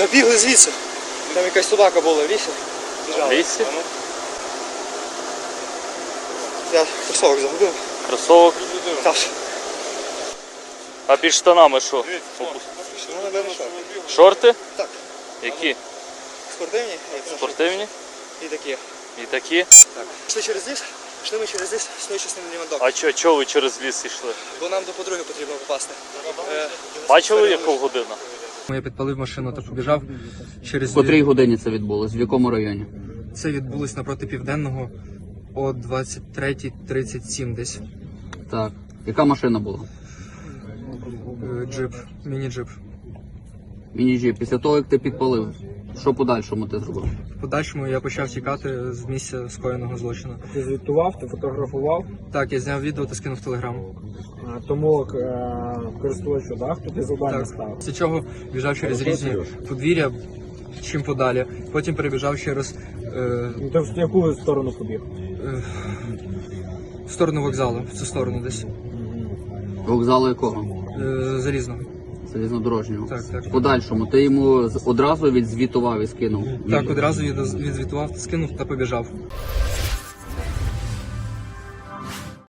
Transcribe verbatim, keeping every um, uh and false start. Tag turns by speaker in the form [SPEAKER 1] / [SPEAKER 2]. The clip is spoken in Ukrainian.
[SPEAKER 1] Та бігли звідси. Там якась собака була в лісі.
[SPEAKER 2] В лісі?
[SPEAKER 1] Я кросовок загубив.
[SPEAKER 2] Кросовок?
[SPEAKER 1] Так.
[SPEAKER 2] А під штанами що?
[SPEAKER 1] Ну, напевно, що.
[SPEAKER 2] Шорти?
[SPEAKER 1] Так.
[SPEAKER 2] Які?
[SPEAKER 1] Спортивні.
[SPEAKER 2] Спортивні?
[SPEAKER 1] І такі.
[SPEAKER 2] І такі?
[SPEAKER 1] Так. Пішли через ліс, пішли ми через ліс, існує частина Лівандок.
[SPEAKER 2] А чого чо ви через ліс йшли?
[SPEAKER 1] Бо нам до подруги потрібно попасти. Е,
[SPEAKER 2] Бачили, яка година?
[SPEAKER 1] Я підпалив машину та побіжав через...
[SPEAKER 3] В котрій годині це відбулось? В якому районі?
[SPEAKER 1] Це відбулось напроти Південного о двадцять третій тридцять сім десь.
[SPEAKER 3] Так. Яка машина була?
[SPEAKER 1] Е, Джип, міні-джип.
[SPEAKER 3] Міні-джип. Після того, як ти підпалив, що подальшому ти зробив?
[SPEAKER 1] В подальшому я почав тікати з місця скоєного злочину.
[SPEAKER 4] Ти звітував, ти фотографував,
[SPEAKER 1] Так, я зняв відео та скинув в Телеграм.
[SPEAKER 4] а, тому е, користувачу, да, хто ти завдання
[SPEAKER 1] Так.
[SPEAKER 4] став.
[SPEAKER 1] Після чого біжав через різні подвір'я, чим подалі. Потім перебіжав через е,
[SPEAKER 4] Ну ти в яку сторону побіг?
[SPEAKER 1] е, в сторону вокзалу, в цю сторону десь.
[SPEAKER 3] Вокзалу якого?
[SPEAKER 1] Е, Залізного.
[SPEAKER 3] Залізнодорожнього.
[SPEAKER 1] Так, так.
[SPEAKER 3] В подальшому ти йому з- одразу відзвітував і скинув.
[SPEAKER 1] Так, одразу відоз- відзвітував, скинув та побіжав.